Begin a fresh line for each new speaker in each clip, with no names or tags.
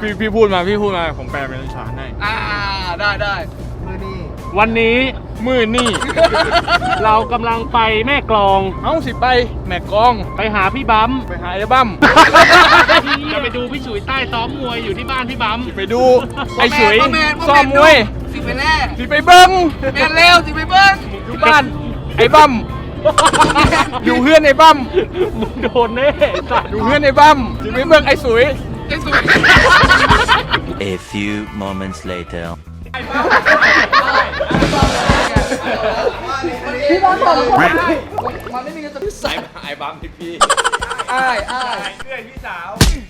พี่พูดมาผมแปลเป็นภาษาให้
ได้
วันนี้มือนี่ เรากำลังไปแม่กลองสิไปแม่กลองไปหาพี่บัมไปหาไอ้บัมจะไปดูพี่ฉุยใต้ซ้อมมวยอยู่ที่บ้านพี่บัมไปดูไอ้ฉุยซ้อมมวย
สิไปแน่
สิไปเบิ้ง
แม่เร็วสิไปเบิ้ง
อยู่บ้านไอ้บัมอยู่เพื่อนไอ้บัมมึงโดนแน่อยู่เพื่อนไอ้บัมสิไปเบิ้งไอ้ฉุย
A few moments later
พี่บอลบอกมันไม่มีเงินจะพิสัย
ไอ้บัมพี่
อ้าย
เพื่อนพี่สาว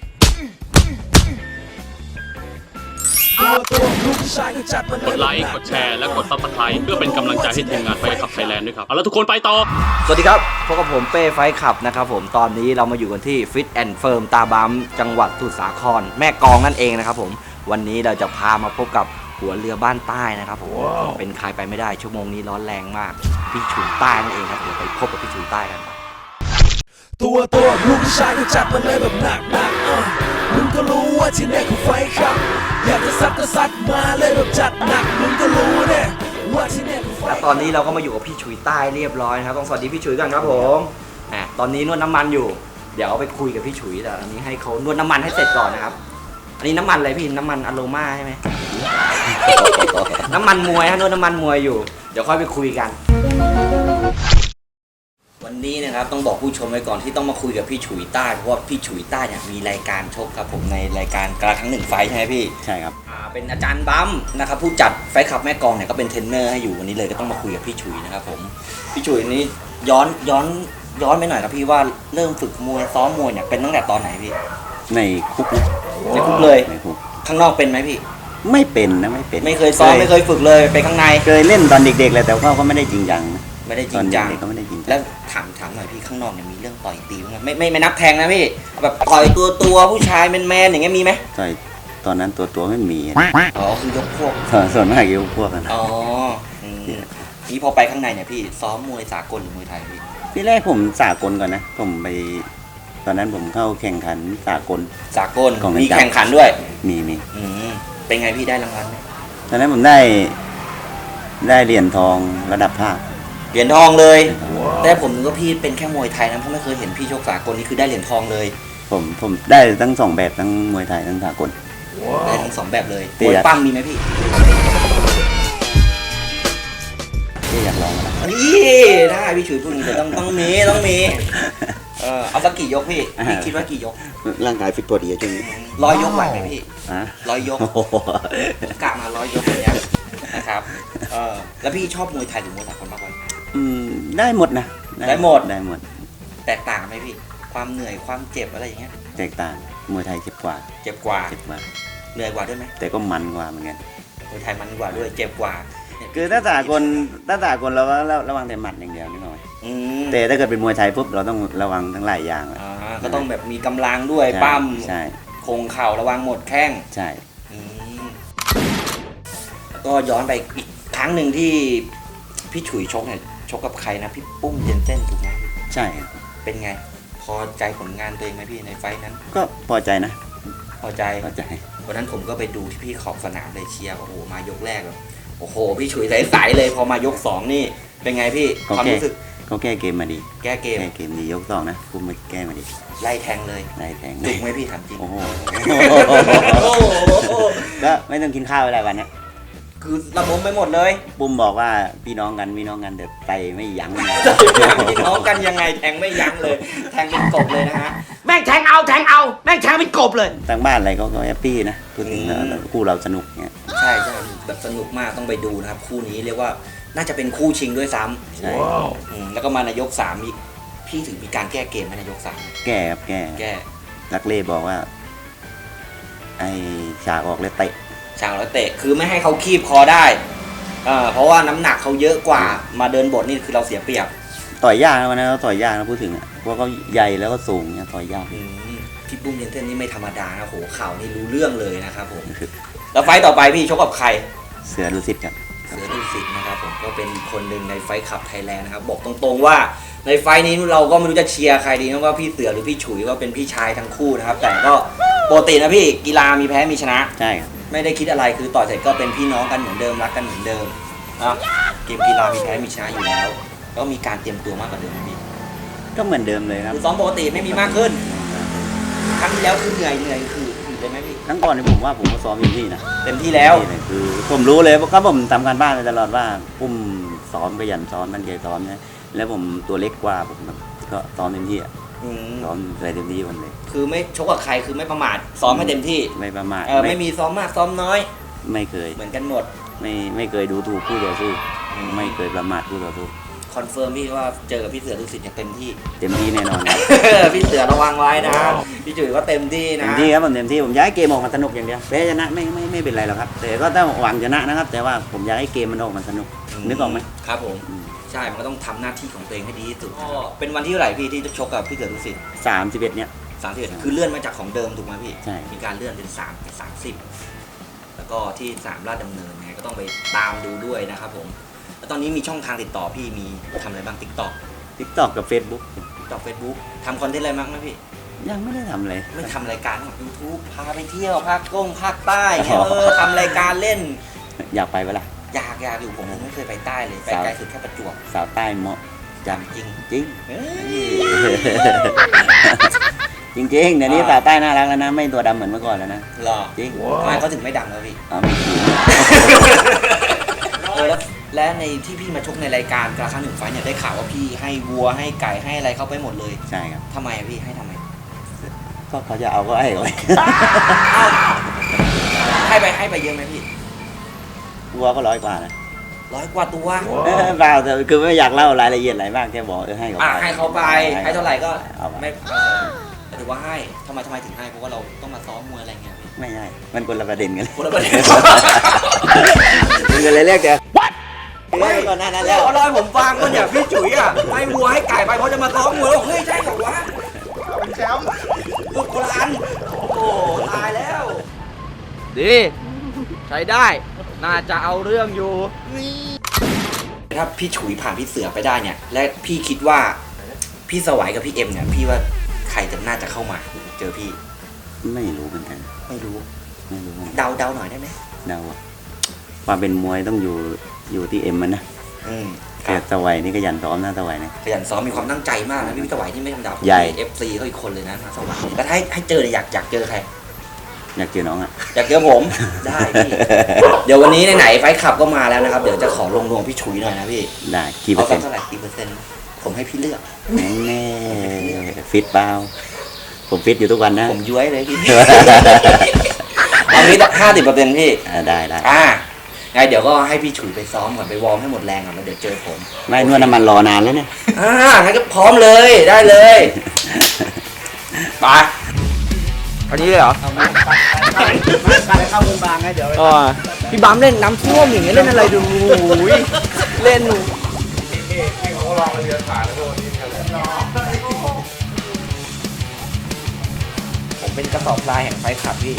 กดไลค์กดแชร์และกด Subscribe เพื่อเป็นกำลังใจให้ทีมงานไฟขับไทยแลนด์ด้วยครับเอาละทุกคนไปต่อ
สวัสดีครับพบกับผมเป้ไฟขับนะครับผมตอนนี้เรามาอยู่กันที่ Fit and Firm ตาบัมจังหวัดสมุทรสาครแม่กลองนั่นเองนะครับผมวันนี้เราจะพามาพบกับหัวเรือบ้านใต้นะครับผมเป็นใครไปไม่ได้ชั่วโมงนี้ร้อนแรงมากพี่ฉุยใต้นั่นเองครับเดี๋ยวไปพบกับพี่ฉุยใต้กัน
ตัวลูกผู้ชายก็จัดมาเลยแบบหนักมึงก็รู้ว่าที่นี่คือไฟขับอยากจะซัดมาเลยแบบจัดหนักมึงก็รู้เนี่ยว่าที่นี่คือไฟ
และตอนนี้เราก็มาอยู่กับพี่ฉุยใต้เรียบร้อยนะครับต้องสวัสดีพี่ฉุยกันครับผมตอนนี้นวดน้ำมันอยู่เดี๋ยวเอาไปคุยกับพี่ฉุยแต่อันนี้ให้เขานวดน้ำมันให้เสร็จก่อนนะครับอันนี้น้ำมันอะไรพี่น้ำมันอโรมาใช่ไหม น้ำมันมวยฮะนวดน้ำมันมวยอยู่เดี๋ยวค่อยไปคุยกันวันนี้นะครับต้องบอกผู้ชมไว้ก่อนที่ต้องมาคุยกับพี่ฉุยใต้เพราะว่าพี่ฉุยใต้เนี่ยมีรายการชกครับผมในรายการกระครั้งหนึ่งไฟใช่ไหมพี่
ใช่ครับ
เป็นอาจารย์บัมนะครับผู้จัดไฟขับแม่กลองเนี่ยก็เป็นเทรนเนอร์ให้อยู่วันนี้เลยก็ต้องมาคุยกับพี่ฉุยนะครับผมพี่ฉุยนี้ย้อนไปหน่อยครับพี่ว่าเริ่มฝึกมวยซ้อมมวยเนี่ยเป็นตั้งแต่ตอนไหนพี่
ในคุก
ในคุกเลย
ในคุก
ข้างนอกเป็นไหมพี่
ไม่เป็นนะไม่เป็น
ไม่เคยซ้อมไม่เคยฝึกเลยไปข้างใน
เคยเล่นตอนเด็กๆแหละแต่ว่าก็ไม่ได้จริงจัง
ไม่ได้จริงจัง
ก็ไม่ได้จริง
แล้วถามหน่อยพี่ข้างนอกเนี่ยมีเรื่องต่อยตีมั้ยไม่นับแทงนะพี่แบบต่อยตัวผู้ชายแมนอย่างเงี้ยมีไหม
ต่อยตอนนั้นตัวไม่มี
อ๋อคือยกพวก
ส่วนมากยกพวกกัน
อ๋อนี่พอไปข้างในเนี่ยพี่ซ้อมมวยสากลหรือมวยไทยพี่
ที่แรกผมสากลก่อนนะผมไปตอนนั้นผมเข้าแข่งขันสากล
มีแข่งขันด้วย
มี
เป็นไงพี่ได้รางวัลไหม
ตอนนั้นผมได้เหรียญทองระดับภาค
เหรียญทองเลยแต่ผมนึกว่าพี่เป็นแค่มวยไทยนะเพราะไม่เคยเห็นพี่ชกสากลนี่คือได้เหรียญทองเลย
ผมได้ทั้งสองแบบทั้งมวยไทยทั้งสากล
ได้ทั้งสองแบบเลยมวยปั้มมีไหมพี่
อยากลองนะ
นี่ได้พี่ฉุยพูดอย่างนี้แต่ต้องมีเอาสักกี่ยกพี่คิดว่ากี่ยก
ร่างกายฟิตตัวดีจริง
100 ยกไหวไหมพี่100 ยกกะมา100 ยกอย่างเงี้ยนะครับแล้วพี่ชอบมวยไทยหรือมวยสากลมากกว่า
ได้หมดนะ
ได้หมด
แต
กต่างไหมพี่ความเหนื่อยความเจ็บอะไรอย่างเงี้ย
แตกต่างมวยไทยเจ็บกว่า
เหนื่อยกว่าด้วยไหม
แต่ก็มันกว่าเหมือนกัน
มวยไทยมันกว่าด้วยเจ็บกว่า
คือถ้าสากลเราก็ระวังแต่หมัดอย่างเดียวนิดหน่อยแต่ถ้าเกิดเป็นมวยไทยปุ๊บเราต้องระวังทั้งหลายอย่าง
ก็ต้องแบบมีกำลังด้วยปั้ม
ใช่
คงเข่าระวังหมดแข้ง
ใช่
ก็ย้อนไปอีกครั้งหนึ่งที่พี่ฉุยชกเนี่ยชกกับใครนะพี่ปุ้มเจนเซ่นถูกไหม
ใช่
เป็นไงพอใจผลงานตัวเองไหมพี่ในไฟนั้น
ก็พอใจนะ
พอใจวันนั้นผมก็ไปดูที่พี่ขอบสนามเลยเชียร์โอ้โหมายกแรกแบบโอ้โหพี่ฉุยใสๆเลยพอมายก2นี่เป็นไงพี่ความรู้สึก
เขาแก้เกมมาดี
แก้เกม
ดียก2นะปุ้มมาแก้มาดี
ไล่แทงเลยจุกไหมพี่ถามจริง
โอ้โหก็ไม่ต้องกินข้าวอะไรวันนี้
คือระบมไปหมดเลย
ปุ้มบอกว่าพี่น้องกันเดี๋ยวไตไม่ยั้ง
พี่น้องกันยังไงแทงไม่ยั้งเลยแทงเป็นกบเลยนะฮะ
แม่งแทงเอาแม่งแทงเป็นกบเลย
ทางบ้านอะไรก็แฮปปี้นะพูดถึงคู่เราสนุกเนี่ย
ใช่แบบสนุกมากต้องไปดูนะครับคู่นี้เรียกว่าน่าจะเป็นคู่ชิงด้วยซ้
ำใช่
แล้วก็มาในยก3อีกพี่ถึงมีการแก้เกมในยก3
แก้ลักเล่บอกว่าไอ้ฉากออกเลยเตะ
คือไม่ให้เขาคีบคอได้เพราะว่าน้ำหนักเขาเยอะกว่ามาเดินบทนี่คือเราเสียเปรียบ
ต่อยยากนะวันนั้นเราต่อยยากนะพูดถึงเพราะเขาใหญ่แล้วก็สูงเนี่ยต่อยยาก
พี่ปุ้มเจนเซ่นนี่ไม่ธรรมดานะโหข่าวนี่รู้เรื่องเลยนะครับผมแล้วไฟต่อไปพี่ชกกับใคร
เสือดุสิตครับ
นะครับผมก็เป็นคนหนึ่งในไฟขับไทยแลนด์นะครับบอกตรงๆว่าในไฟนี้เราก็ไม่รู้จะเชียร์ใครดีนะว่าพี่เสือหรือพี่ฉุยก็เป็นพี่ชายทั้งคู่นะครับแต่ก็ปกตินะพี่กีฬามีแพ้มีชนะ
ใช่ครับ
ไม่ได้คิดอะไรคือต่อยเสร็จก็เป็นพี่น้องกันเหมือนเดิมรักกันเหมือนเดิมนะเกมกีฬามีแพ้มีชนะอยู่แล้วแล้วมีการเตรียมตัวมากกว่าเดิมไหมพี่
ก็เหมือนเดิมเลยครับ
คือซ้อมปกติไม่มีมากขึ้นครั้งที่แล้วคือเหนื่อยคือเลยไหมพี่
ครั้งก่อนนี่ผมว่าผมก็ซ้อมอยู่ที่นะ
เต็มที่แล้ว
นี่เลยคือผมรู้เลยเพราะผมทำการบ้านมาตลอดว่าผมซ้อมขยันซ้อมมันเกยซ้อมนะแล้วผมตัวเล็กกว่าผมก็ซ้อมเต็มที่อะ
อืม
ซ้อมอะไรเต็มที่วันเลย
คือไม่ชกกับใครคือไม่ประมาทซ้อมให้เต็มที่
ไม่ประมาท
ไม่มีซ้อมมากซ้อมน้อย
ไม่เคย
เหมือนกันหมด
ไม่เคยดูถูกผู้ต่อสู้ไม่เคยประมาทผู้ต่อสู้
คอนเฟิร์มพี่ว่าเจอกับพี่เสือดุสิตอย่างเต็มที่
เต็มที่แน่นอนครับ
พี่เสือระวังไว้นะพี่จุ๋ยก็เต็มที่นะ
เต็มที่ครับผมเต็มที่ผมอยากให้เกมออกมาสนุกอย่างเดียวแพ้ชนะไม่เป็นไรหรอกครับ แต่ก็ต้องหวังชนะนะครับ แต่ว่าผมอยากให้เกมมันออกมาสนุกนึกออกไหม
ครับผม ใช่มันก็ต้องทำหน้าที่ของตัวเองให้ดีที่สุดก็เป็นวันที่เท่าไหร่พี่ที่จะชกกับพี่เสือดุสิต
31เนี่ย
31คือเลื่อนมาจากของเดิมถูกไหมพี่
ใช่
มีการเลื่อนเป็น3เป็น30 แล้วก็ที่3ราชดำเนินไงก็ต้องไปตามดูด้วยนะครับผมแล้วตอนนี้มีช่องทางติดต่อพี่มีทำอะไรบ้าง TikTok
TikTok กับ Facebook
TikTok Facebook ทำคอนเทนต์อะไรบ้างไหมพี่
ยังไม่ได้ทำเลย
ไม่ทำรายการของ YouTube พาไปเที่ยวภาคภาคใต้เงี้ยทำรายการเล่น
อยากไปปะล่ะ
อยากอยู่ผมไม่เคยไปใต้เลยไปไกลสุดแค่ประจวบ
สาวใต้เหมาะจัง
จริง
จริง จริงเดี๋ยวนี้สาวใต้น่ารักแล้วนะ ไม่ตัวดำเหมือนเมื่อก่อนแล้วนะ
หรอ
จริง
ทำไมเขาถึงไม่ดังแล้วพี่
เอาไม่ถูก
และในที่พี่มาชกในรายการกระครั้งหนึ่งไฟท์เนี่ยได้ข่าวว่าพี่ให้วัวให้ไก่ให้อะไรเข้าไปหมดเลย
ใช่ครับ
ทำไมอะพี่ให้ทำไม
ก็เขาจะเอาก็ให้เขาไป
ให้ไปเยอะไหมพี่
วัวก็100 กว่านะ
100 กว่าตัว
เปล่าแต่คือไม่อยากเล่ารายละเอียดอะไรมากแค่บอกให้เขาไป
ให้เขาไปให้เท่าไหร่ก็
เอาไป
ไม่ถือว่าให้ทำไมถึงให้เพราะว่าเราต้องมาซ้อมมวยอะไรเงี้ยพี่
ไม่ใช่มันคนละประเด็นกัน
คนละประเด็น
มันก็เลยเรียกเดี๋ยวก่อนหน้านั้นแล้ว
เขาเล่าให้ผมฟังว่าเนี่ยพี่จุ๋ยอ่ะให้วัวให้ไก่ไปเพราะจะมาซ้อมมวยเฮ้ยใช่เหรอวะเป็นแชมป์ลูกคนละอันโอ้ตายแล้วดีใช้ได้น่าจะเอาเรื่องอยู่ถ้าพี่ฉุยผ่านพี่เสือไปได้เนี่ยและพี่คิดว่าพี่สวัยกับพี่เอ็มเนี่ยพี่ว่าใครจะน่าจะเข้ามาเจอพี่
ไม่รู้เหมือนกัน
ไม่รู้
ไม่รู้เหมือนกัน
เดาหน่อยได้ไหม
เดาอะความเป็นมวยต้องอยู่ที่เอ็มมันนะ
ค
แต่
รับ
ตะไวนี่ก็ยันซ้อมนะตะไวนะ
ขยันซ้อมมีความตั้งใจมากนะพี่สวัยที่ไม่ธรรมดา
ใหญ่
FC เขาอีกคนเลยนะสวัยแล้วถ้าให้เจอเนี่ยอยากเจอใคร
อยากเจอน้องอะ
อยากเจอผม ได้พี่ เดี๋ยววันนี้ไหนๆไฟขับก็มาแล้วนะครับ เดี๋ยวจะขอลงดวงพี่ฉุยหน่อยนะพี่
ได้กี่เปอ
เอา
ร์เซ็นต์
สักเท่าไหร่กี่เปอร์เซ็นต์ผมให้พี่เลือก
แน่ฟิตเปล่าผมฟิตอยู่ทุกวันนะ
ผมย้วยเลยพี่ เอางี้50%พี่
ได้
ไงเดี๋ยวก็ให้พี่ฉุยไปซ้อมก่อนไปวอร์มให้หมดแรงก่อนแล้วเดี๋ยวเจอผม
ไม่นวดน้ำมันรอนานแล้วเนี่ย
งั้นก็พร้อมเลยได้เลยไปอันนี้เลยเหรอเข้าวงบางไงเดี๋ยวพี่บัมเล่นน้ำท่วมอย่างเงี้ยเล่นอะไรดูเล่นผมเป็นกระสอบทรายแห่งไฟขับพี่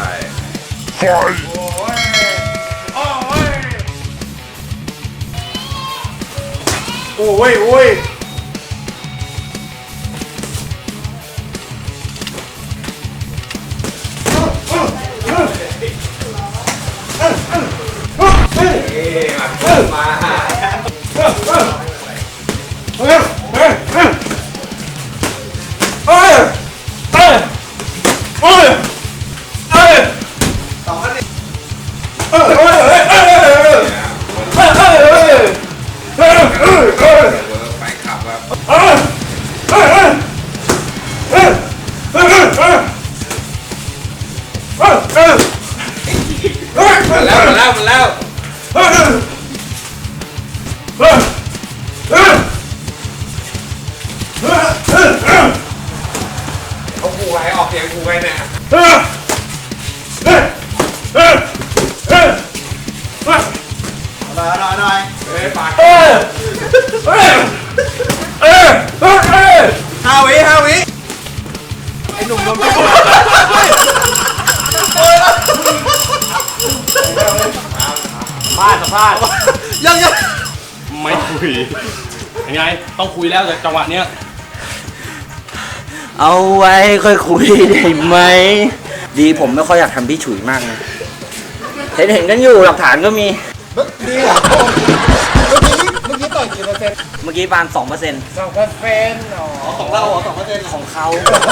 ไม่คุยยังไงต้องคุยแล้วจากจังหวะเนี้ย
เอาไว้ค่อยคุยได้ไหม
ดีผมไม่ค่อยอยากทำพี่ฉุยมากนะเห็นกันอยู่หลักฐานก็มี
ดีเหรอเมื่อกี้ต่อยกี่เปอร์เซ็นต์
เมื่อกี้ประมาณ2%
2%อ๋อ
ของเรา2%ของเขา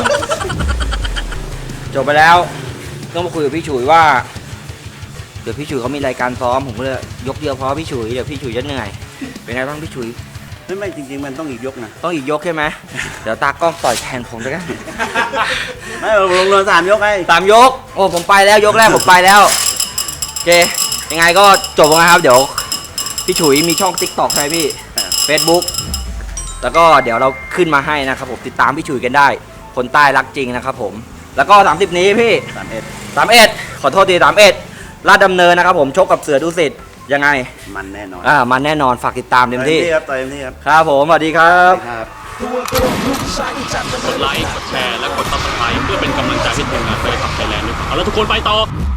จบไปแล้วต้องมาคุยกับพี่ฉุยว่าเดี๋ยวพี่ฉุยเขามีรายการซ้อมผมก็เลยยกเดียวพอพี่ฉุยเดี๋ยวพี่ฉุยจะเหนื่อยเป็นไงบ้างพี่ฉุย
ไม่จริงๆมันต้องอีกยกนะ
ต้องอีกยกใช่ไหมเดี๋ยวตากล้องต่อยแทนผมด้วยกัน
ไม่ลง3 ยกไง
3 ยกโอ้ผมไปแล้วยกแรกผมไปแล้วโอเคยังไงก็จบแล้วนะครับเดี๋ยวพี่ฉุยมีช่อง TikTok ใช่ไหมพี่ Facebook แล้วก็เดี๋ยวเราขึ้นมาให้นะครับผมติดตามพี่ฉุยกันได้คนใต้รักจริงนะครับผมแล้วก็30นี้พี่ 31ขอโทษที31ลาดดำเนินนะครับผมชกกับเสือดุสิตยังไง
มันแน่นอน
มันแน่นอนฝากติดตามเต็มที่
ครับต่อยเต็มที่ครับ
ครับผมสวัสดีครับ
ครับ
กดไลค์ กดแชร์ และกด subscribe เพื่อเป็นกำลังใจให้ทีมงานไปขับไทยแลนด์ด้วยครับเอาละทุกคนไปต่อ